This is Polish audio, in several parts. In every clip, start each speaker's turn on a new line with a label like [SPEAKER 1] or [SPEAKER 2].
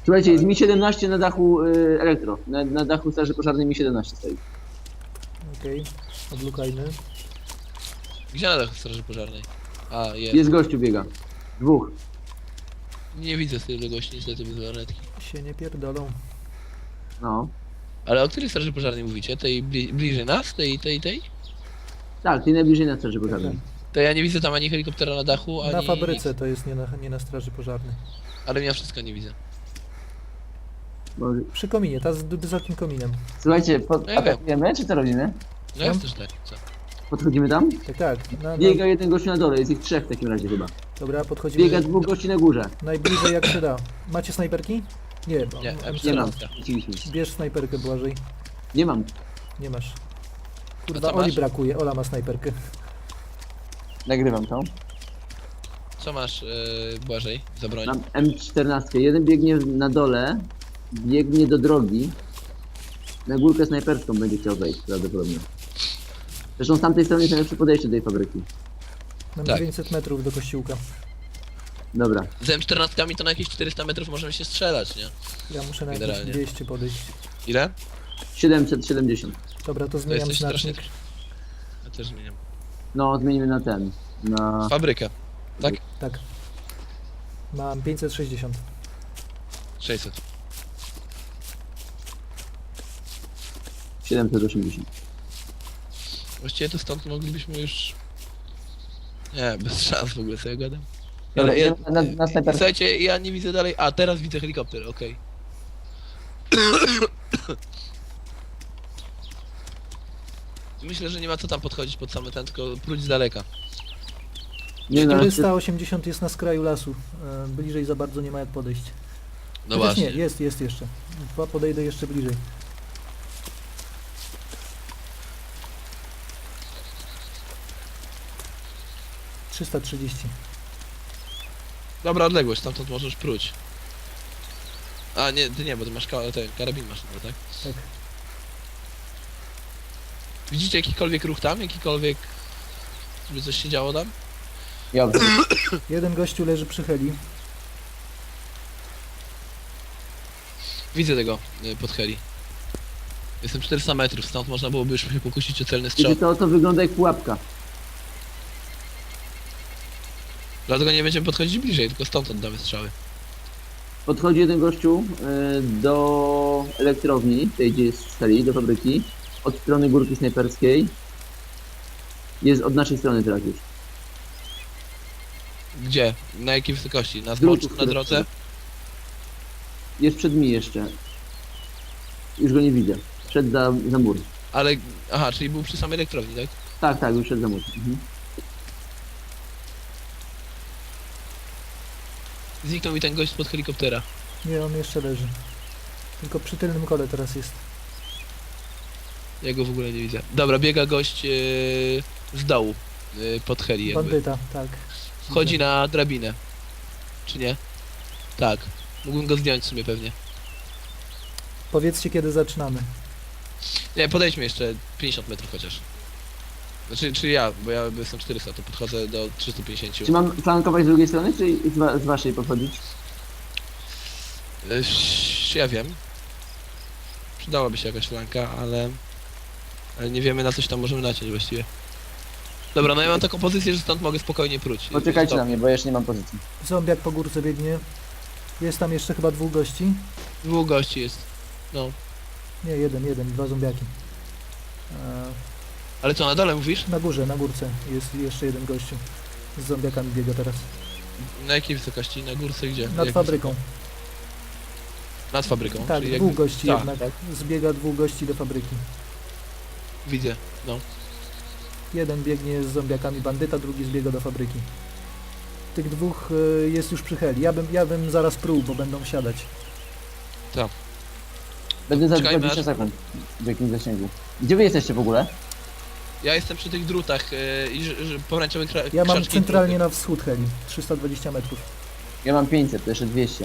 [SPEAKER 1] Słuchajcie, jest Mi-17 na dachu elektro. Na dachu straży pożarnej Mi-17 stoi.
[SPEAKER 2] Okej, odlukajmy.
[SPEAKER 3] Gdzie na dachu straży pożarnej? A, jest.
[SPEAKER 1] Jest gościu biega. Dwóch.
[SPEAKER 3] Nie widzę z tej gości niestety bez lornetki.
[SPEAKER 2] Się nie pierdolą.
[SPEAKER 1] No.
[SPEAKER 3] Ale o której straży pożarnej mówicie? Tej bliżej nas? Tej?
[SPEAKER 1] Tak, ty najbliżej na straży pożarnej.
[SPEAKER 3] To ja nie widzę tam ani helikoptera na dachu, ani
[SPEAKER 2] Na fabryce
[SPEAKER 3] nic.
[SPEAKER 2] to jest, nie na straży pożarnej.
[SPEAKER 3] Ale ja wszystko nie widzę.
[SPEAKER 1] Może...
[SPEAKER 2] Przy kominie, ta z wysokim kominem.
[SPEAKER 1] Słuchajcie,
[SPEAKER 3] No ja wiem.
[SPEAKER 1] atakujemy, czy co robimy?
[SPEAKER 3] No jest też tak, co?
[SPEAKER 1] Podchodzimy tam?
[SPEAKER 2] Tak, tak.
[SPEAKER 1] Biega jeden gościu na dole, jest ich trzech w takim razie chyba.
[SPEAKER 2] Dobra, podchodzimy
[SPEAKER 1] Biega dwóch gości na górze.
[SPEAKER 2] najbliżej jak się da. Macie snajperki? Nie,
[SPEAKER 3] Nie,
[SPEAKER 1] Nie mam.
[SPEAKER 3] M14.
[SPEAKER 1] Wróciliśmy.
[SPEAKER 2] Bierz snajperkę, Błażej.
[SPEAKER 1] Nie mam.
[SPEAKER 2] Nie masz.
[SPEAKER 3] A
[SPEAKER 2] Kurwa,
[SPEAKER 3] co
[SPEAKER 2] Oli
[SPEAKER 3] masz?
[SPEAKER 2] brakuje, Ola ma snajperkę.
[SPEAKER 1] Nagrywam to.
[SPEAKER 3] Co masz, Błażej, za broń?
[SPEAKER 1] Mam M14. Jeden biegnie na dole, biegnie do drogi. Na górkę snajperską będzie chciał wejść prawdopodobnie. Zresztą z tamtej strony jest najlepsze podejście do tej fabryki.
[SPEAKER 2] Mam
[SPEAKER 3] Tak.
[SPEAKER 2] 900 metrów do kościółka.
[SPEAKER 1] Dobra.
[SPEAKER 3] Z M14 to na jakieś 400 metrów możemy się strzelać, nie?
[SPEAKER 2] Ja muszę na jakieś
[SPEAKER 3] Generalnie.
[SPEAKER 2] 200 podejść.
[SPEAKER 3] Ile?
[SPEAKER 1] 770.
[SPEAKER 2] Dobra, to
[SPEAKER 3] To
[SPEAKER 2] zmieniam
[SPEAKER 3] jesteś strasznie...
[SPEAKER 2] znacznik.
[SPEAKER 3] Ja też zmieniam.
[SPEAKER 1] No, zmienimy na ten. Na...
[SPEAKER 3] Fabrykę. Tak?
[SPEAKER 2] Tak. Mam 560.
[SPEAKER 3] 600.
[SPEAKER 1] 780.
[SPEAKER 3] Właściwie to stąd moglibyśmy już... Nie, bez szans w ogóle sobie gadam.
[SPEAKER 1] Dobra,
[SPEAKER 3] Ale ja,
[SPEAKER 1] na snajperską.
[SPEAKER 3] słuchajcie, ja nie widzę dalej... A, teraz widzę helikopter, okej. Myślę, że nie ma co tam podchodzić pod same ten, tylko próć z daleka.
[SPEAKER 1] Nie no,
[SPEAKER 2] 480 jest na skraju lasu. Bliżej za bardzo nie ma jak podejść.
[SPEAKER 3] No
[SPEAKER 2] Chociaż
[SPEAKER 3] właśnie.
[SPEAKER 2] nie, jest jeszcze. Podejdę jeszcze bliżej. ...330.
[SPEAKER 3] Dobra odległość, stamtąd możesz próć. A, nie, ty nie, bo ty masz ten karabin masz, no, tak?
[SPEAKER 2] Tak.
[SPEAKER 3] Widzicie jakikolwiek ruch tam? Jakikolwiek... Żeby coś się działo tam?
[SPEAKER 1] Dobrze.
[SPEAKER 2] Jeden gościu leży przy heli.
[SPEAKER 3] Widzę tego pod heli. Jestem 400 metrów, stąd można byłoby już się pokusić o celny strzał.
[SPEAKER 1] Wiecie, to wygląda jak pułapka.
[SPEAKER 3] Dlatego nie będziemy podchodzić bliżej, tylko stąd oddamy strzały.
[SPEAKER 1] Podchodzi jeden gościu do elektrowni, tej gdzie jest stali, do fabryki. Od strony górki snajperskiej. Jest od naszej strony teraz już.
[SPEAKER 3] Gdzie? Na jakiej wysokości? Na
[SPEAKER 1] Drutów,
[SPEAKER 3] zboczu, na
[SPEAKER 1] które-
[SPEAKER 3] drodze?
[SPEAKER 1] Jest przed mi jeszcze. Już go nie widzę. Przed za mur.
[SPEAKER 3] Ale... Aha, czyli był przy samej elektrowni, tak?
[SPEAKER 1] Tak, tak, już przed za mur. Mhm.
[SPEAKER 3] Zniknął mi ten gość spod helikoptera.
[SPEAKER 2] Nie, on jeszcze leży. Tylko przy tylnym kole teraz jest.
[SPEAKER 3] Ja go w ogóle nie widzę. Dobra, biega gość z dołu. Pod heli jakby.
[SPEAKER 2] Bandyta, tak.
[SPEAKER 3] Wchodzi na drabinę. Czy nie? Tak. Mógłbym go zdjąć w sumie pewnie.
[SPEAKER 2] Powiedzcie kiedy zaczynamy.
[SPEAKER 3] Nie, podejdźmy jeszcze 50 metrów chociaż. Znaczy, czy ja, bo ja jestem 400, to podchodzę do 350.
[SPEAKER 1] Czy mam flankować z drugiej strony, czy z waszej podchodzić?
[SPEAKER 3] Ja wiem. Przydałaby się jakaś flanka, ale nie wiemy na coś tam możemy naciąć właściwie. Dobra, no ja mam taką pozycję, że stąd mogę spokojnie próć.
[SPEAKER 1] Poczekajcie
[SPEAKER 3] Stop.
[SPEAKER 1] na mnie, bo ja jeszcze nie mam pozycji.
[SPEAKER 2] Zombiak po górce biegnie. Jest tam jeszcze chyba dwóch gości.
[SPEAKER 3] Dwóch gości jest. No.
[SPEAKER 2] Nie, jeden, dwa zombiaki.
[SPEAKER 3] Ale co, na dole mówisz?
[SPEAKER 2] Na górze, na górce jest jeszcze jeden gościu. Z zombiakami biega teraz.
[SPEAKER 3] Na jakiej wysokości? Na górce gdzie?
[SPEAKER 2] Nad
[SPEAKER 3] Jak
[SPEAKER 2] fabryką.
[SPEAKER 3] wysoko? Nad fabryką?
[SPEAKER 2] Tak,
[SPEAKER 3] czyli
[SPEAKER 2] dwóch gości
[SPEAKER 3] tak,
[SPEAKER 2] jednak.
[SPEAKER 3] tak.
[SPEAKER 2] Zbiega dwóch gości do fabryki.
[SPEAKER 3] Widzę, no.
[SPEAKER 2] Jeden biegnie z zombiakami bandyta, drugi zbiega do fabryki. Tych dwóch jest już przy heli. Ja bym zaraz pruł, bo będą wsiadać.
[SPEAKER 1] Będę za
[SPEAKER 3] Czekajmy
[SPEAKER 1] 20
[SPEAKER 3] aż-
[SPEAKER 1] sekund w jakimś zasięgu. Gdzie wy jesteście w ogóle?
[SPEAKER 3] Ja jestem przy tych drutach i pomarańczowy
[SPEAKER 2] Ja mam
[SPEAKER 3] krzaczki
[SPEAKER 2] centralnie
[SPEAKER 3] druty.
[SPEAKER 2] na wschód heli. 320 metrów.
[SPEAKER 1] Ja mam 500, to jeszcze 200.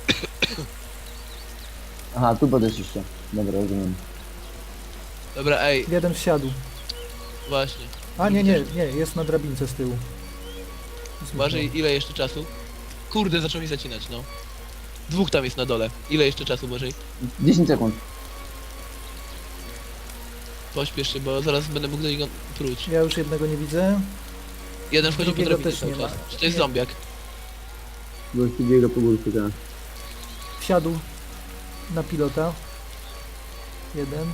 [SPEAKER 1] Aha, tu podeszliście. Dobra, rozumiem.
[SPEAKER 3] Dobra, ej,
[SPEAKER 2] Jeden wsiadł.
[SPEAKER 3] właśnie.
[SPEAKER 2] A nie, jest na drabince z tyłu.
[SPEAKER 3] Uważaj, ile jeszcze czasu? Kurde, zaczął mi zacinać, no. Dwóch tam jest na dole. Ile jeszcze czasu może?
[SPEAKER 1] 10 sekund.
[SPEAKER 3] Pośpiesz się, bo zaraz będę mógł do niego próć.
[SPEAKER 2] Ja już jednego nie widzę.
[SPEAKER 3] Jeden wchodzi po
[SPEAKER 2] Drugiego
[SPEAKER 3] drabinie
[SPEAKER 2] też
[SPEAKER 3] cały
[SPEAKER 2] nie ma.
[SPEAKER 3] czas. Czy to jest
[SPEAKER 2] Nie.
[SPEAKER 3] zombiak?
[SPEAKER 1] Gościu biega po górce, tak.
[SPEAKER 2] Wsiadł na pilota. Jeden.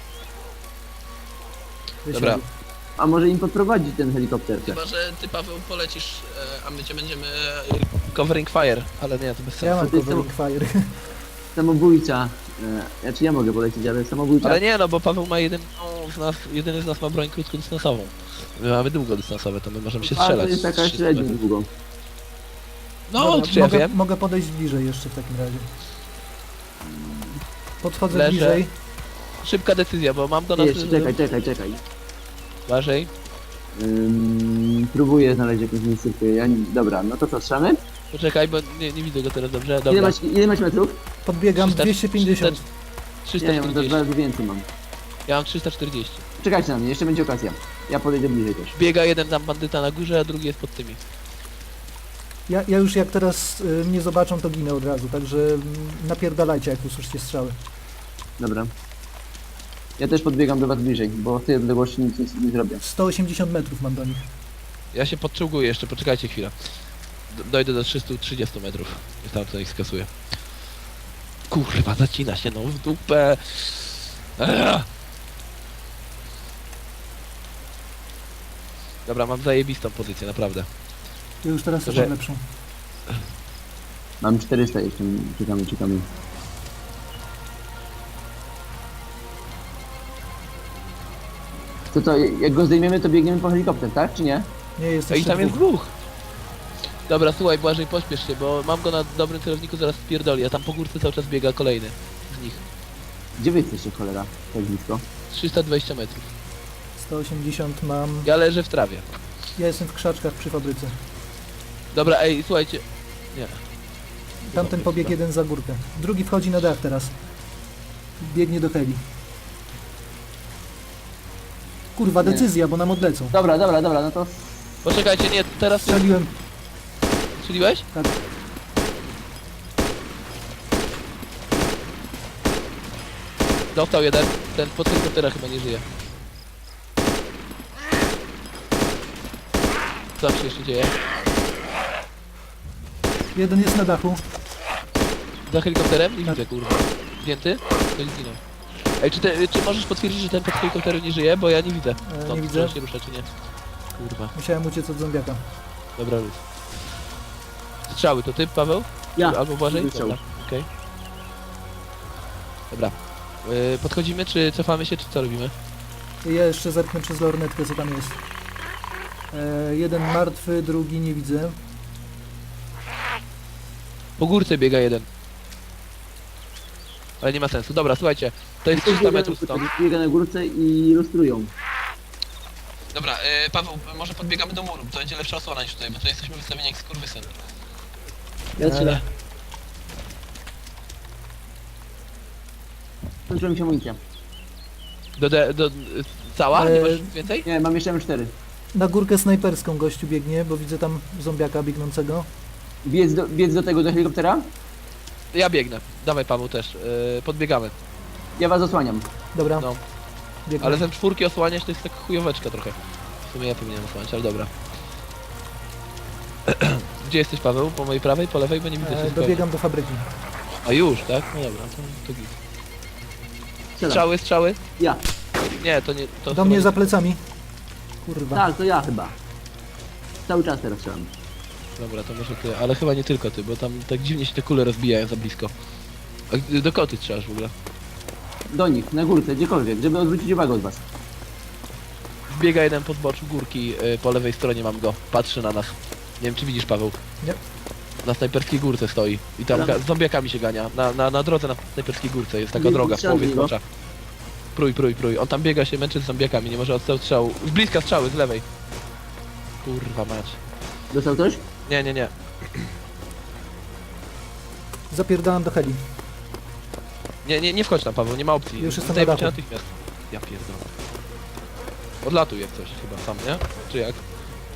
[SPEAKER 2] Wysiadł.
[SPEAKER 3] Dobra.
[SPEAKER 1] A może im podprowadzić ten helikopter?
[SPEAKER 3] Chyba, że ty Paweł polecisz, a my cię będziemy covering fire, ale nie, to bez
[SPEAKER 2] Ja
[SPEAKER 3] sensu.
[SPEAKER 2] mam
[SPEAKER 1] to jest
[SPEAKER 2] covering fire.
[SPEAKER 1] Samobójca. Znaczy ja mogę polecieć, ale samobójca...
[SPEAKER 3] Ale nie, no bo Paweł ma jedyny z nas ma broń krótkodystansową. My mamy długodystansowe, to my możemy się
[SPEAKER 1] A,
[SPEAKER 3] strzelać.
[SPEAKER 1] to jest taka
[SPEAKER 3] z 300
[SPEAKER 1] średnio
[SPEAKER 3] metrów.
[SPEAKER 1] długo.
[SPEAKER 3] No,
[SPEAKER 2] Dobra,
[SPEAKER 3] czy ja
[SPEAKER 2] mogę,
[SPEAKER 3] wiem.
[SPEAKER 2] mogę podejść bliżej jeszcze w takim razie. Podchodzę
[SPEAKER 3] Leżę.
[SPEAKER 2] bliżej.
[SPEAKER 3] Szybka decyzja, bo mam do nas...
[SPEAKER 1] Jeszcze, czekaj.
[SPEAKER 3] Uważaj.
[SPEAKER 1] Próbuję znaleźć jakąś miejscówkę. Dobra, no to co, strzelamy?
[SPEAKER 3] Poczekaj, bo nie widzę go teraz dobrze.
[SPEAKER 1] Ile
[SPEAKER 3] Dobra.
[SPEAKER 1] masz metrów?
[SPEAKER 2] Podbiegam
[SPEAKER 3] 300,
[SPEAKER 2] 250.
[SPEAKER 1] Ja mam
[SPEAKER 3] 340.
[SPEAKER 1] dwa razy więcej mam.
[SPEAKER 3] Ja mam 340.
[SPEAKER 1] Czekajcie na mnie, jeszcze będzie okazja. Ja podejdę bliżej też.
[SPEAKER 3] Biega jeden tam bandyta na górze, a drugi jest pod tymi.
[SPEAKER 2] Ja już jak teraz mnie zobaczą, to ginę od razu, także napierdalajcie, jak usłyszycie strzały.
[SPEAKER 1] Dobra. Ja też podbiegam do was bliżej, bo w tej odległości nic nie zrobię.
[SPEAKER 2] 180 metrów mam do nich.
[SPEAKER 3] Ja się podczołguję jeszcze, poczekajcie chwilę. Dojdę do 330 metrów. I tam to ich skasuję. Kurwa, zacina się no w dupę. Dobra, mam zajebistą pozycję, naprawdę.
[SPEAKER 2] Ja już teraz też
[SPEAKER 3] Że-
[SPEAKER 2] mam lepszą.
[SPEAKER 1] Mam 400 jeszcze, czekamy. To jak go zdejmiemy, to biegniemy po helikopter, tak? Czy nie?
[SPEAKER 2] Nie, jest
[SPEAKER 3] A i
[SPEAKER 2] jeszcze
[SPEAKER 3] tam jest
[SPEAKER 2] dwóch.
[SPEAKER 3] dwóch. Dobra, słuchaj, Błażej, pośpiesz się, bo mam go na dobrym celowniku, zaraz spierdoli, a tam po górce cały czas biega kolejny z nich.
[SPEAKER 1] Gdzie wy jesteście, cholera? Tak blisko.
[SPEAKER 3] 320 metrów.
[SPEAKER 2] 180 mam.
[SPEAKER 3] Ja leżę w trawie.
[SPEAKER 2] Ja jestem w krzaczkach przy fabryce.
[SPEAKER 3] Dobra, ej, słuchajcie. Nie.
[SPEAKER 2] Tamten pobiegł jeden za górkę. Drugi wchodzi na dach teraz. Biegnie do heli. Kurwa,
[SPEAKER 1] Nie.
[SPEAKER 2] decyzja, bo nam odlecą.
[SPEAKER 1] Dobra, no to...
[SPEAKER 3] Poczekajcie, nie, teraz
[SPEAKER 2] Strzeliłem.
[SPEAKER 3] strzeliłeś?
[SPEAKER 2] Tak.
[SPEAKER 3] Dostał jeden, ten pod helikoptera chyba nie żyje. Co tam się jeszcze dzieje?
[SPEAKER 2] Jeden jest na dachu.
[SPEAKER 3] Za helikopterem? Nie
[SPEAKER 2] Tak.
[SPEAKER 3] widzę, kurwa. Zdjęty? To nie zginął. Ej, czy możesz potwierdzić, że ten pod helikopterem nie żyje? Bo ja nie widzę. Stąd,
[SPEAKER 2] nie
[SPEAKER 3] czy
[SPEAKER 2] widzę.
[SPEAKER 3] on się rusza, czy nie. Kurwa.
[SPEAKER 2] Musiałem uciec od zombiaka.
[SPEAKER 3] Dobra, luz. Strzały, to ty, Paweł?
[SPEAKER 1] Ja.
[SPEAKER 3] Albo Błażej?
[SPEAKER 1] Strzał.
[SPEAKER 3] Dobra, okej. Dobra. Podchodzimy, czy cofamy się, czy co robimy?
[SPEAKER 2] Ja jeszcze zerknę przez lornetkę, co tam jest. Jeden martwy, drugi nie widzę.
[SPEAKER 3] Po górce biega jeden. Ale nie ma sensu. Dobra, słuchajcie. To jest 300 metrów stąd.
[SPEAKER 1] Biega na górce i lustrują.
[SPEAKER 3] Dobra, Paweł, może podbiegamy do muru, to będzie lepsza osłona niż tutaj, bo tu jesteśmy wystawieni jak skurwysyn.
[SPEAKER 1] Ja strzelę.
[SPEAKER 3] Ale...
[SPEAKER 1] Skończyła mi się amunicja.
[SPEAKER 3] Cała? Nie
[SPEAKER 2] Eee,
[SPEAKER 3] masz więcej?
[SPEAKER 1] Nie, mam jeszcze M4.
[SPEAKER 2] Na górkę snajperską gościu biegnie, bo widzę tam zombiaka biegnącego.
[SPEAKER 1] Biec do tego, do helikoptera?
[SPEAKER 3] Ja biegnę. Dawaj, Paweł też. Podbiegamy.
[SPEAKER 1] Ja was osłaniam.
[SPEAKER 2] Dobra,
[SPEAKER 3] No.
[SPEAKER 2] biegnę.
[SPEAKER 3] Ale ten czwórki osłaniać to jest taka chujoweczka trochę. W sumie ja powinienem osłaniać, ale dobra. Gdzie jesteś, Paweł? Po mojej prawej, po lewej? Bo nie widzę cię zupełnie.
[SPEAKER 2] Dobiegam do fabryki.
[SPEAKER 3] A już, tak? No dobra, to git.
[SPEAKER 1] Strzelam.
[SPEAKER 3] Strzały?
[SPEAKER 1] Ja.
[SPEAKER 3] Nie, to nie... To
[SPEAKER 2] Do
[SPEAKER 3] chyba
[SPEAKER 2] mnie
[SPEAKER 3] nie-
[SPEAKER 2] za plecami. Kurwa.
[SPEAKER 1] Tak, to ja chyba. Cały czas teraz strzelam.
[SPEAKER 3] Dobra, to może ty, ale chyba nie tylko ty, bo tam tak dziwnie się te kule rozbijają za blisko. A do kogo ty strzelasz w ogóle?
[SPEAKER 1] Do nich, na górce, gdziekolwiek, żeby odwrócić uwagę od was.
[SPEAKER 3] Wbiega jeden po zboczu górki, po lewej stronie mam go. Patrzy na nas. Nie wiem, czy widzisz, Paweł?
[SPEAKER 2] Nie.
[SPEAKER 3] Na snajperskiej górce stoi. I tam
[SPEAKER 1] Dobra.
[SPEAKER 3] z zombiakami się gania. Na drodze na snajperskiej górce jest taka
[SPEAKER 1] Nie,
[SPEAKER 3] droga w
[SPEAKER 1] strzelam
[SPEAKER 3] połowie
[SPEAKER 1] w niego.
[SPEAKER 3] zbocza. Prój. On tam biega się, męczy z zombiakami, nie może odstrzał strzału. Z bliska strzały, z lewej. Kurwa mać.
[SPEAKER 1] Dostał ktoś?
[SPEAKER 3] Nie.
[SPEAKER 2] Zapierdalam do heli.
[SPEAKER 3] Nie wchodź tam, Paweł, nie ma opcji.
[SPEAKER 2] Już jestem na
[SPEAKER 3] Zdejmę cię
[SPEAKER 2] dachu.
[SPEAKER 3] natychmiast. Ja pierdolę. Odlatuj jak coś chyba sam, nie? Czy jak?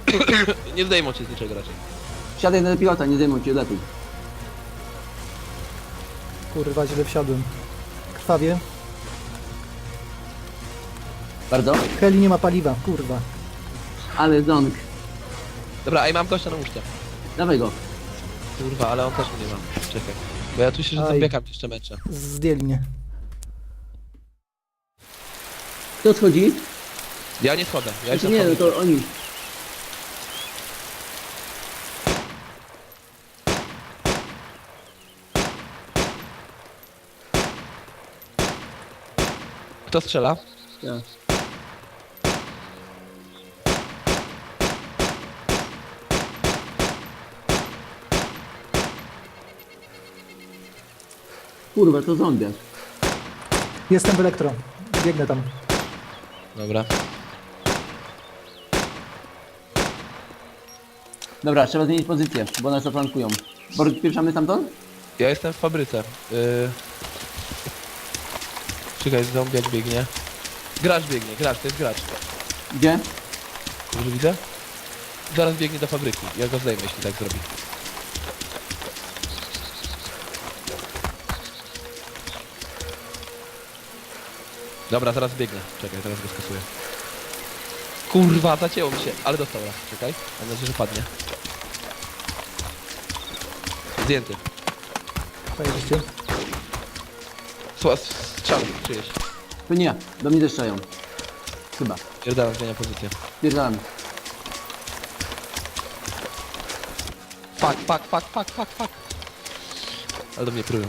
[SPEAKER 3] Nie zdejmą cię z niczego raczej.
[SPEAKER 1] Wsiadaj na pilota, nie zdejmuj cię, lepiej.
[SPEAKER 2] Kurwa, źle wsiadłem. Krwawie.
[SPEAKER 1] Bardzo.
[SPEAKER 2] Heli nie ma paliwa, kurwa.
[SPEAKER 1] Ale ząg.
[SPEAKER 3] Dobra, a i mam gościa na łóżce.
[SPEAKER 1] Dawaj go.
[SPEAKER 3] Kurwa, ale on też mnie ma. Czekaj. Bo ja tu się
[SPEAKER 2] Aj.
[SPEAKER 3] zombiakami jeszcze męczę.
[SPEAKER 2] Zdjęli mnie.
[SPEAKER 1] Kto schodzi?
[SPEAKER 3] Ja nie schodzę. Ja
[SPEAKER 1] Znaczy
[SPEAKER 3] jestem
[SPEAKER 1] nie, no
[SPEAKER 3] fabryką.
[SPEAKER 1] to oni.
[SPEAKER 3] Kto strzela?
[SPEAKER 1] Ja. Kurwa, to zombiak.
[SPEAKER 2] Jestem w elektro. Biegnę tam.
[SPEAKER 3] Dobra.
[SPEAKER 1] Dobra, trzeba zmienić pozycję, bo nas zaplankują. Borg, spieszamy stamtąd?
[SPEAKER 3] Ja jestem w fabryce. Czekaj, zombiak biegnie. Gracz biegnie, gracz, to jest gracz.
[SPEAKER 1] Gdzie?
[SPEAKER 3] Dobrze widzę? Zaraz biegnie do fabryki. Ja go zdejmę, jeśli tak zrobi. Dobra, zaraz biegnie. Czekaj, teraz go skasuję. Kurwa, zacięło mi się, ale dostał raz. Czekaj, mam nadzieję, że padnie. Zdjęty.
[SPEAKER 2] Pojedziecie.
[SPEAKER 3] Strzały, czyjeś.
[SPEAKER 1] To nie ja, do mnie deszczają. Chyba.
[SPEAKER 3] Pierdalam, zmienia pozycję.
[SPEAKER 1] Spierdalamy.
[SPEAKER 3] Fuck. Ale do mnie prują.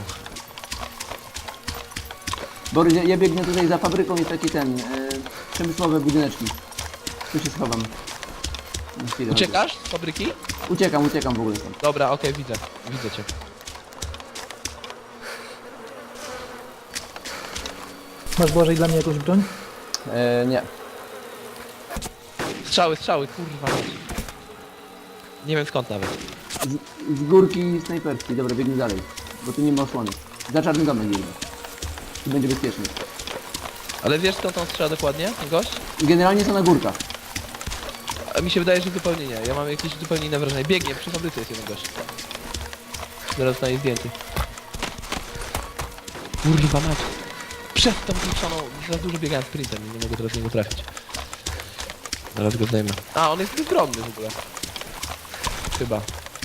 [SPEAKER 1] Borys, ja biegnę tutaj za fabryką, jest taki ten, przemysłowe budyneczki. Tu się schowam. Na chwilę.
[SPEAKER 3] Uciekasz z fabryki?
[SPEAKER 1] Uciekam w ogóle tam.
[SPEAKER 3] Dobra, okej, widzę cię.
[SPEAKER 2] Masz Błażej dla mnie jakąś broń?
[SPEAKER 1] Nie.
[SPEAKER 3] Strzały, kurwa. Nie wiem skąd nawet.
[SPEAKER 1] Z górki snajperskiej, dobra, biegnę dalej. Bo tu nie ma osłony. Za czarny domek biegnę. Tu będzie bezpiecznie.
[SPEAKER 3] Ale wiesz skąd on strzela dokładnie, ten gość?
[SPEAKER 1] Generalnie są na górkach.
[SPEAKER 3] A mi się wydaje, że zupełnie nie. Ja mam jakieś zupełnie inne wrażenie. Biegnie, przy fabryce jest jeden gość. Zaraz zostanie zdjęty. Kurwa mać. Przez tą kluczoną, za dużo biegałem sprintem i nie mogę teraz niego trafić. Zaraz go zdejmę. A, on jest bezbronny w ogóle. Chyba.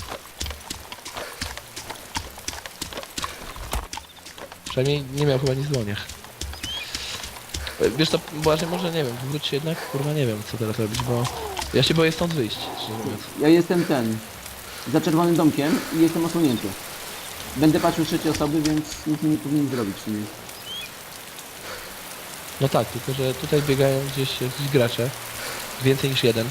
[SPEAKER 3] Przynajmniej nie miał chyba nic w dłoniach. Wiesz to, Błażej, może nie wiem, wróć się jednak, kurwa nie wiem co teraz robić, bo ja się boję stąd wyjść, szczerze mówiąc.
[SPEAKER 1] Ja jestem za czerwonym domkiem i jestem osłonięty. Będę patrzył z trzeciej osoby, więc nic mi nie powinien zrobić. Nie?
[SPEAKER 3] No tak, tylko że tutaj biegają gdzieś jakiś gracze, więcej niż jeden.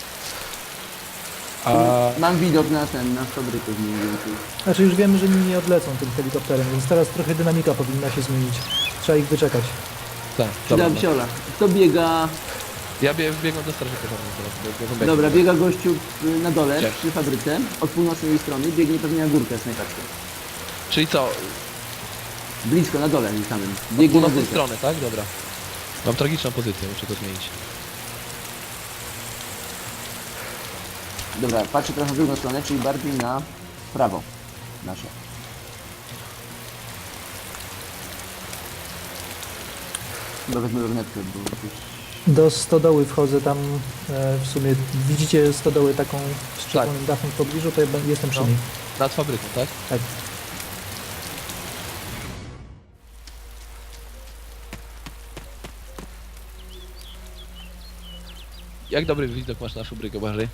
[SPEAKER 3] A
[SPEAKER 1] Mam widok na fabrykę mniej więcej.
[SPEAKER 2] Znaczy już wiemy, że nie odlecą tym helikopterem, więc teraz trochę dynamika powinna się zmienić. Trzeba ich wyczekać.
[SPEAKER 3] tak, dobra.
[SPEAKER 1] Przyda wsiola. Kto biega?
[SPEAKER 3] Ja biegam do straży pożarnej teraz, bo zombiaki.
[SPEAKER 1] Dobra, biega gościu na dole,
[SPEAKER 3] Gdzie?
[SPEAKER 1] przy fabryce, od północnej strony, biegnie pewnie na górkę snajperską.
[SPEAKER 3] Czyli co,
[SPEAKER 1] Blisko, na dole samym.
[SPEAKER 3] od
[SPEAKER 1] Biegnie na
[SPEAKER 3] północnej
[SPEAKER 1] górkę.
[SPEAKER 3] strony, tak? Dobra. Mam tragiczną pozycję, muszę to zmienić.
[SPEAKER 1] Dobra, patrzę trochę w drugą stronę, czyli bardziej na prawo nasze. Chyba wezmę lornetkę, bo jakoś...
[SPEAKER 2] Do stodoły wchodzę tam w sumie. Widzicie stodołę taką z czerwonym dachem w pobliżu, to ja jestem przy
[SPEAKER 3] No.
[SPEAKER 2] niej.
[SPEAKER 3] Nad fabryką, tak?
[SPEAKER 2] Tak.
[SPEAKER 3] Jak dobry widok masz na fabrykę, Błażej?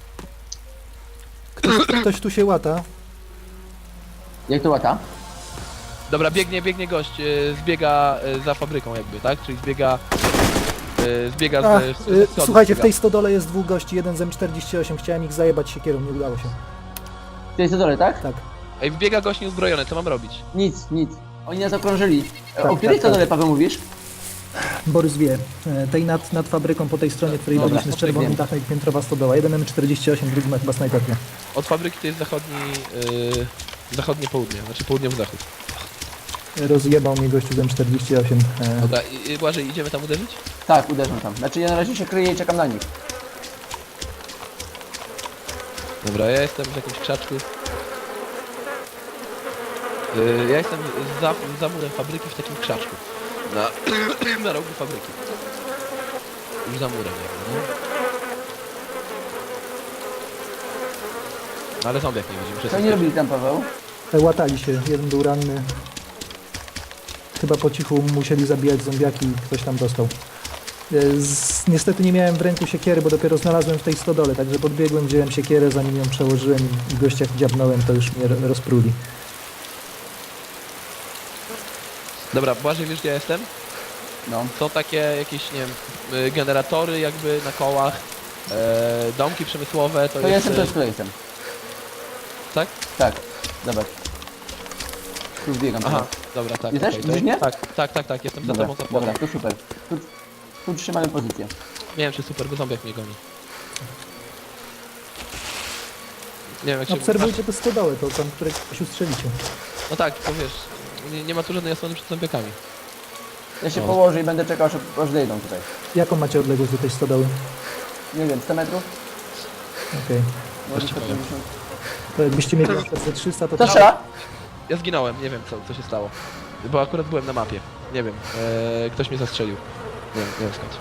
[SPEAKER 2] Ktoś tu się łata.
[SPEAKER 1] Jak to łata?
[SPEAKER 3] Dobra, biegnie gość, zbiega za fabryką jakby, tak? Czyli zbiega
[SPEAKER 2] A,
[SPEAKER 3] z schodów
[SPEAKER 2] słuchajcie, w
[SPEAKER 3] zbiega.
[SPEAKER 2] tej stodole jest dwóch gości, jeden z M48, chciałem ich zajebać siekierą, nie udało się.
[SPEAKER 1] To jest na dole, tak?
[SPEAKER 2] Tak.
[SPEAKER 3] Ej, wbiega gość nieuzbrojony, co mam robić?
[SPEAKER 1] Nic. Oni nas okrążyli.
[SPEAKER 2] Tak,
[SPEAKER 1] O której
[SPEAKER 2] tak,
[SPEAKER 1] to dole,
[SPEAKER 2] tak.
[SPEAKER 1] Paweł, mówisz?
[SPEAKER 2] Borys wie, tej nad fabryką po tej stronie, której
[SPEAKER 1] Dobra,
[SPEAKER 2] byliśmy z czerwonym
[SPEAKER 1] wiem.
[SPEAKER 2] dachem, piętrowa stodoła. Jeden M48, drugi ma chyba snajperkę.
[SPEAKER 3] Od fabryki to jest zachodnie południe, znaczy południowy zachód.
[SPEAKER 2] Rozjebał mnie gościu z M48.
[SPEAKER 3] Dobra, Błażej, idziemy tam uderzyć?
[SPEAKER 1] Tak, uderzam tam. Znaczy ja na razie się kryję i czekam na nich.
[SPEAKER 3] Dobra, ja jestem w jakimś krzaczku. Ja jestem za murem fabryki w takim krzaczku. Na rogu fabryki. Już za murem jakby, nie? No ale zombiak nie widzimy.
[SPEAKER 1] Co oni robili tam, Paweł?
[SPEAKER 2] Łatali się, jeden był ranny. Chyba po cichu musieli zabijać zombiaki i ktoś tam dostał. Niestety nie miałem w ręku siekiery, bo dopiero znalazłem w tej stodole, także podbiegłem, wziąłem siekierę, zanim ją przełożyłem i gościa jak dziabnąłem, to już mnie rozpruli.
[SPEAKER 3] Dobra, Błażej, wiesz gdzie ja jestem?
[SPEAKER 1] No.
[SPEAKER 3] Są takie jakieś, nie wiem, generatory jakby na kołach, domki przemysłowe,
[SPEAKER 1] To ja jestem też, tu jestem.
[SPEAKER 3] Tak?
[SPEAKER 1] Tak, zobacz. Tu biegam.
[SPEAKER 3] Aha, dobra, tak.
[SPEAKER 1] Ty też?
[SPEAKER 3] okej, to
[SPEAKER 1] Widzisz mnie?
[SPEAKER 3] Tak, jestem za
[SPEAKER 1] Dobra,
[SPEAKER 3] tobą za
[SPEAKER 1] dobra,
[SPEAKER 3] płotem.
[SPEAKER 1] to super. Tu trzymamy pozycję.
[SPEAKER 3] Nie wiem czy super, bo zombiak mnie goni. Nie wiem jak się...
[SPEAKER 2] Obserwujcie te stodoły, to tam, które ktoś ustrzelicie.
[SPEAKER 3] No tak, to wiesz, nie ma tu żadnej osłony przed zombiakami.
[SPEAKER 1] Ja się
[SPEAKER 3] O.
[SPEAKER 1] położę i będę czekał, aż zejdą tutaj.
[SPEAKER 2] Jaką macie odległość do tej stodoły?
[SPEAKER 1] Nie wiem, 100 metrów?
[SPEAKER 2] Okej.
[SPEAKER 1] Może
[SPEAKER 3] Też ci powiem.
[SPEAKER 1] 150.
[SPEAKER 2] To jakbyście mieli na przykład ze 300, to
[SPEAKER 1] Kto strzela?
[SPEAKER 3] Ja zginąłem, nie wiem co się stało. Bo akurat byłem na mapie. Nie wiem, ktoś mnie zastrzelił. Nie wiem skąd.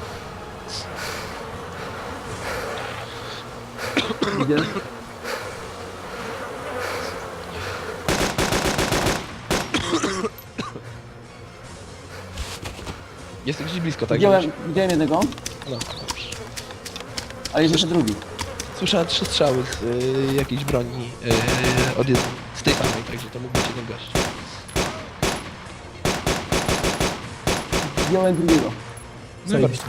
[SPEAKER 1] Idzie.
[SPEAKER 3] Jest gdzieś blisko, tak?
[SPEAKER 1] Widziałem jednego,
[SPEAKER 3] No, dobrze.
[SPEAKER 1] ale jest jeszcze drugi.
[SPEAKER 3] Słyszałem 3 strzały z jakiejś broni z tej samej, także to mógł być jeden gość.
[SPEAKER 1] Widziałem drugiego.
[SPEAKER 2] zajebiście.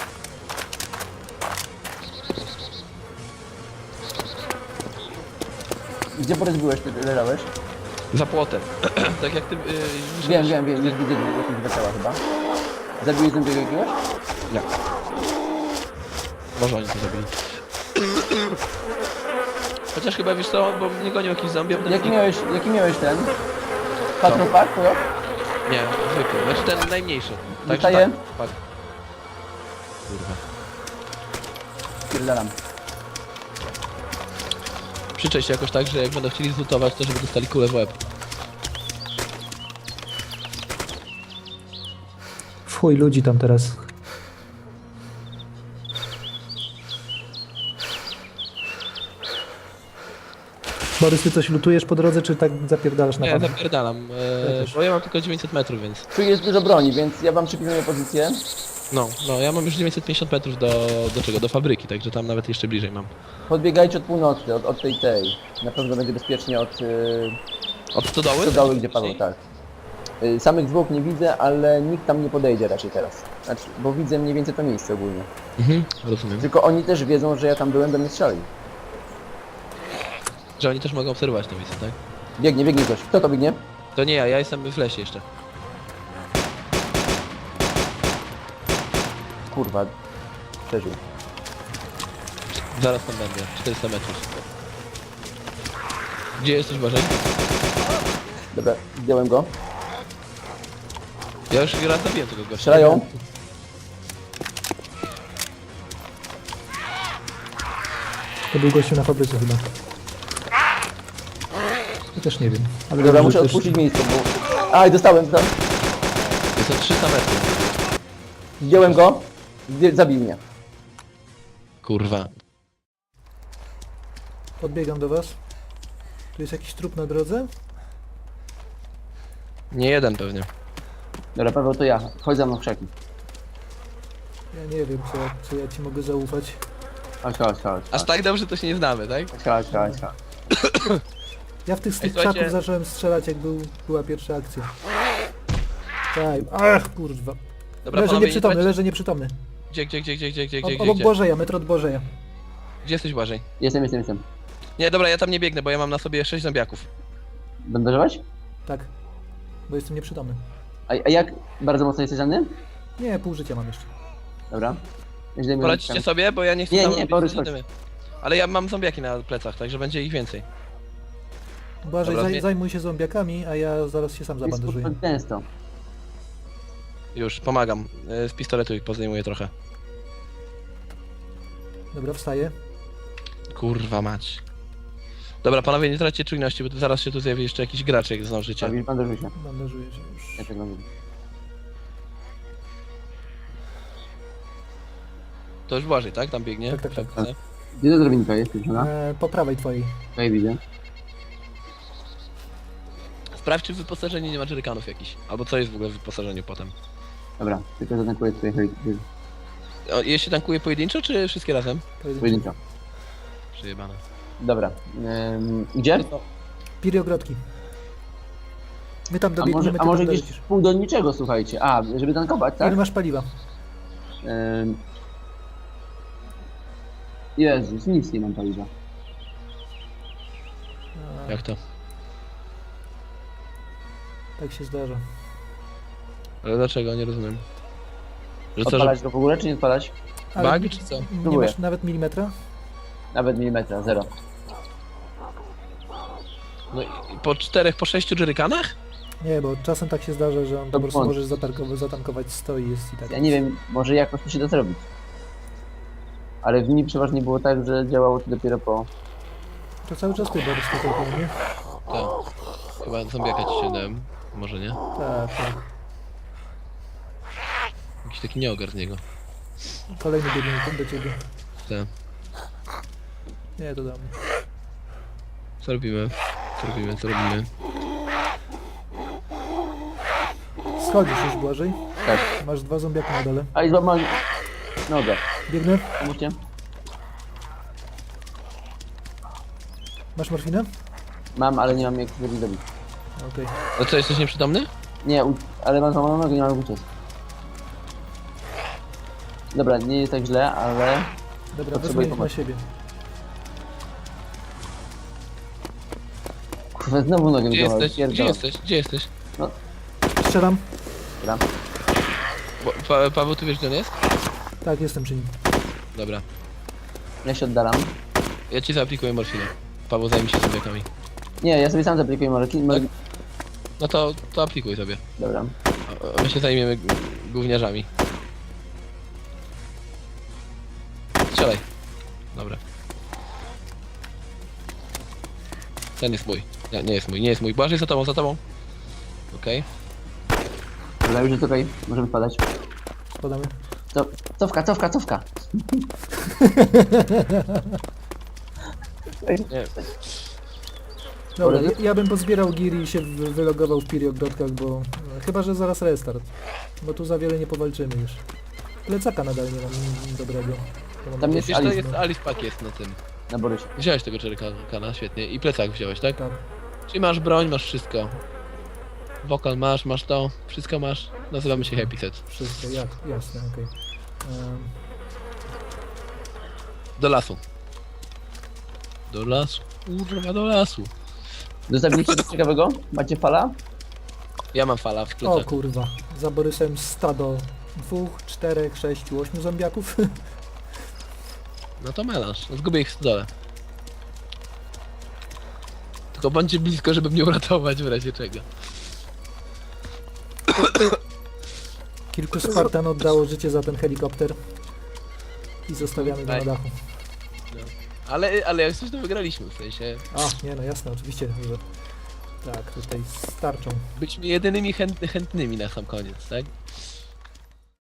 [SPEAKER 1] Gdzie Borys byłeś, ty leżałeś?
[SPEAKER 3] Za płotem. Tak jak ty...
[SPEAKER 1] Wiem, już widzę jakieś dwa ciała chyba. Zabiłeś drugiego jakiegoś?
[SPEAKER 3] Jak? Może oni to zabili. Chociaż chyba wiesz co, bo mnie gonił jakiś zombie, a potem...
[SPEAKER 1] Jaki miałeś ten? Patrol Pack, to?
[SPEAKER 3] Nie, zwykły. Znaczy ten najmniejszy.
[SPEAKER 1] Dostaję?
[SPEAKER 3] Tak. Kurwa.
[SPEAKER 1] Pierdalam.
[SPEAKER 3] Przyczaj się jakoś tak, że jak będą chcieli zlutować, to żeby dostali kulę w łeb.
[SPEAKER 2] W chuj ludzi tam teraz. Borys, ty coś lutujesz po drodze, czy tak zapierdalasz na
[SPEAKER 3] Nie,
[SPEAKER 2] pewno?
[SPEAKER 3] zapierdalam,
[SPEAKER 2] Ja też.
[SPEAKER 3] bo ja mam tylko 900 metrów, więc...
[SPEAKER 1] Tu jest dużo broni, więc ja wam przypisuję pozycję.
[SPEAKER 3] No, ja mam już 950 metrów do czego? Do fabryki, także tam nawet jeszcze bliżej mam.
[SPEAKER 1] Podbiegajcie od północy, od tej. Na pewno będzie bezpiecznie od
[SPEAKER 3] Od stodoły?
[SPEAKER 1] stodoły, gdzie Paweł, tak. Samych zwłok nie widzę, ale nikt tam nie podejdzie raczej teraz. Znaczy, bo widzę mniej więcej to miejsce ogólnie.
[SPEAKER 3] Mhm, rozumiem.
[SPEAKER 1] Tylko oni też wiedzą, że ja tam byłem, do mnie strzeli.
[SPEAKER 3] Że oni też mogą obserwować to miejsce, tak?
[SPEAKER 1] Biegnie ktoś. Kto to biegnie?
[SPEAKER 3] To nie ja jestem w lesie jeszcze.
[SPEAKER 1] Kurwa. Przeżył.
[SPEAKER 3] Zaraz tam będę, 400 metrów. Gdzie jesteś, Bożej?
[SPEAKER 1] Dobra, zdjąłem go.
[SPEAKER 3] Ja już raz zabiłem tego gościa.
[SPEAKER 1] Strzelają.
[SPEAKER 2] To był gościu na fabryce chyba. Ja też nie wiem. Ale
[SPEAKER 1] Dobra,
[SPEAKER 2] dobrze,
[SPEAKER 1] muszę
[SPEAKER 2] też-
[SPEAKER 1] odpuścić miejsce, bo... Aj, dostałem.
[SPEAKER 3] Jest to 300 metrów.
[SPEAKER 1] Zdjąłem go. Zabił mnie.
[SPEAKER 3] Kurwa.
[SPEAKER 2] Podbiegam do was. Tu jest jakiś trup na drodze?
[SPEAKER 3] Nie jeden pewnie.
[SPEAKER 1] Dobra, Paweł, to ja. Chodź za mną w krzaki.
[SPEAKER 2] Ja nie wiem, co ja ci mogę zaufać.
[SPEAKER 1] Chodź.
[SPEAKER 3] Aż tak dobrze to się nie znamy, tak?
[SPEAKER 1] Chodź.
[SPEAKER 2] Ja w tych
[SPEAKER 3] słuchajcie-
[SPEAKER 2] krzaków zacząłem strzelać, jak była pierwsza akcja. Tak. Ach, kurwa.
[SPEAKER 3] Dobra,
[SPEAKER 2] Leży
[SPEAKER 3] panowie,
[SPEAKER 2] nieprzytomny,
[SPEAKER 3] nie
[SPEAKER 2] leży nieprzytomny.
[SPEAKER 3] Gdzie?
[SPEAKER 2] Obok Bożeja, metr od Bożeja.
[SPEAKER 3] Gdzie jesteś, Błażej?
[SPEAKER 1] Jestem.
[SPEAKER 3] Nie, dobra, ja tam nie biegnę, bo ja mam na sobie 6 zombiaków.
[SPEAKER 1] Bandażować?
[SPEAKER 2] Tak. Bo jestem nieprzytomny.
[SPEAKER 1] A jak? Bardzo mocno jesteś ranny?
[SPEAKER 2] Nie, pół życia mam jeszcze.
[SPEAKER 1] Dobra. Ja zdejmuję
[SPEAKER 3] Poradzicie
[SPEAKER 1] rękę.
[SPEAKER 3] sobie, bo ja nie chcę
[SPEAKER 1] Nie,
[SPEAKER 3] tam
[SPEAKER 1] nie,
[SPEAKER 3] robić
[SPEAKER 1] Borys,
[SPEAKER 3] zadymy. Ale ja mam zombiaki na plecach, także będzie ich więcej.
[SPEAKER 2] Błażej,
[SPEAKER 3] Dobra, nie-
[SPEAKER 2] zajmuj się zombiakami, a ja zaraz się sam
[SPEAKER 1] Jest
[SPEAKER 2] zabandażuję.
[SPEAKER 1] kurwa gęsto.
[SPEAKER 3] Już, pomagam. Z pistoletu ich pozdejmuję trochę.
[SPEAKER 2] Dobra, wstaję.
[SPEAKER 3] Kurwa mać. Dobra, panowie, nie traćcie czujności, bo to zaraz się tu zjawi jeszcze jakiś gracz, jak zdążycie.
[SPEAKER 1] Tak, bandażuj się.
[SPEAKER 2] Bandażuję się już.
[SPEAKER 1] Ja tak mam.
[SPEAKER 3] To już Błażej, tak? Tam biegnie?
[SPEAKER 2] Tak, tak, tak.
[SPEAKER 3] Szepce.
[SPEAKER 1] Gdzie ta drabinka jest, dziewczyna?
[SPEAKER 2] Po prawej twojej.
[SPEAKER 1] Tutaj widzę.
[SPEAKER 3] Sprawdź, czy w wyposażeniu nie ma jerrykanów jakichś. Albo co jest w ogóle w wyposażeniu potem.
[SPEAKER 1] Dobra, tylko zatankuję tutaj helikopter.
[SPEAKER 3] Je się tankuje pojedynczo, czy wszystkie razem?
[SPEAKER 1] Pojedynczo.
[SPEAKER 3] Przejebane.
[SPEAKER 1] Dobra. Gdzie?
[SPEAKER 2] Piriogrodki. My tam
[SPEAKER 1] A
[SPEAKER 2] dobiegniemy,
[SPEAKER 1] może,
[SPEAKER 2] ty
[SPEAKER 1] a może
[SPEAKER 2] tam
[SPEAKER 1] gdzieś
[SPEAKER 2] dolecisz.
[SPEAKER 1] pół do niczego, słuchajcie. A, żeby tankować, tak?
[SPEAKER 2] Ile masz paliwa?
[SPEAKER 1] Jezus, nic nie mam paliwa.
[SPEAKER 2] A,
[SPEAKER 3] Jak to?
[SPEAKER 2] tak się zdarza.
[SPEAKER 3] Ale dlaczego? Nie rozumiem. Że co, że
[SPEAKER 1] Odpalać go w ogóle, czy nie odpalać?
[SPEAKER 2] Ale
[SPEAKER 3] bug, czy co?
[SPEAKER 2] nie
[SPEAKER 1] Próbuję.
[SPEAKER 2] masz nawet milimetra?
[SPEAKER 1] Nawet milimetra, zero.
[SPEAKER 3] No i po 4, po 6 jerrykanach?
[SPEAKER 2] Nie, bo czasem tak się zdarza, że on po
[SPEAKER 1] To
[SPEAKER 2] prostu
[SPEAKER 1] błąd.
[SPEAKER 2] możesz zatankować 100 i jest i tak.
[SPEAKER 1] Ja nie wiem, może jakoś to się da zrobić. Ale w nim przeważnie było tak, że działało to dopiero po...
[SPEAKER 2] To cały czas ty, Borys, tutaj po mnie.
[SPEAKER 3] Tak. Chyba zombiaka ci się dałem. Może nie?
[SPEAKER 2] Tak, tak.
[SPEAKER 3] Jakiś taki nieogar z niego.
[SPEAKER 2] Kolejny biegnie do ciebie.
[SPEAKER 3] Tak.
[SPEAKER 2] Nie, to do mnie.
[SPEAKER 3] Co robimy? Co robimy? Co robimy?
[SPEAKER 2] Schodzisz już, Błażej.
[SPEAKER 1] Tak.
[SPEAKER 2] Masz 2 zombiaki na dole.
[SPEAKER 1] A i złamał nogę.
[SPEAKER 2] Biegnę.
[SPEAKER 1] Pomóżcie.
[SPEAKER 2] Masz morfinę?
[SPEAKER 1] Mam, ale nie mam jak zrobić dobić.
[SPEAKER 2] Okej.
[SPEAKER 3] No co, jesteś nieprzytomny?
[SPEAKER 1] Nie, ale mam złamaną nogę, nie mam jak uciec. Dobra, nie jest tak źle, ale...
[SPEAKER 2] Dobra,
[SPEAKER 1] Potrzebuję
[SPEAKER 2] wezmę ich na
[SPEAKER 1] pomocy.
[SPEAKER 2] siebie.
[SPEAKER 1] Kurwa, znowu nogę mi
[SPEAKER 3] Gdzie
[SPEAKER 1] złamał.
[SPEAKER 3] jesteś? Gdzie
[SPEAKER 1] Pierdolę.
[SPEAKER 3] jesteś? Gdzie jesteś?
[SPEAKER 2] Strzelam.
[SPEAKER 1] Dobra.
[SPEAKER 3] Paweł, tu wiesz, gdzie on jest?
[SPEAKER 2] Tak, jestem przy nim.
[SPEAKER 3] Dobra.
[SPEAKER 1] Ja się oddalam.
[SPEAKER 3] Ja ci zaaplikuję morfinę. Paweł, zajmij się zombiakami.
[SPEAKER 1] Nie, ja sobie sam zaaplikuję moleki.
[SPEAKER 3] Tak. No to aplikuj sobie.
[SPEAKER 1] Dobra.
[SPEAKER 3] A my się zajmiemy gówniarzami. Strzelaj. Dobra. Ten jest mój. Nie jest mój, nie jest mój. Błażej za tobą, za tobą. Okej.
[SPEAKER 1] Dobra, już jest okej. Możemy wpadać.
[SPEAKER 2] Spadamy.
[SPEAKER 1] Cofka, cofka, cofka.
[SPEAKER 3] Nie.
[SPEAKER 2] Dobra,
[SPEAKER 1] Dobra.
[SPEAKER 2] ja bym pozbierał gear i się wylogował w Piriogrodkach, bo... Chyba, że zaraz restart. Bo tu za wiele nie powalczymy już. Plecaka nadal nie mam dobrego. To mam
[SPEAKER 1] Tam
[SPEAKER 2] jakieś-
[SPEAKER 1] jest
[SPEAKER 3] Wiesz, to
[SPEAKER 1] Alice,
[SPEAKER 3] jest Alice Pack jest na tym.
[SPEAKER 1] Na Borysie.
[SPEAKER 3] Wziąłeś tego jerrykana, świetnie. I plecak wziąłeś, tak?
[SPEAKER 2] Tak.
[SPEAKER 3] Czyli masz broń, masz wszystko. Wokal masz to, wszystko masz. Nazywamy się Happy Set.
[SPEAKER 2] Wszystko, jak? Jasne, okej.
[SPEAKER 3] Do lasu. Do lasu. Kurwa, do lasu.
[SPEAKER 1] Dostawiliście coś ciekawego? Macie fala?
[SPEAKER 3] Ja mam fala w
[SPEAKER 2] O
[SPEAKER 3] plecaku.
[SPEAKER 2] kurwa, za Borysem stado 2, 4, 6, 8 zombiaków.
[SPEAKER 3] No to melanż. Zgubię ich w stodole. Tylko bądźcie blisko, żeby mnie uratować w razie czego.
[SPEAKER 2] Kilku Spartan oddało życie za ten helikopter. I zostawiamy go na dachu.
[SPEAKER 3] Ale jak coś to wygraliśmy, w sensie...
[SPEAKER 2] A, nie no jasne, oczywiście, że... Tak, tutaj starczą.
[SPEAKER 3] Byliśmy jedynymi chętnymi na sam koniec, tak?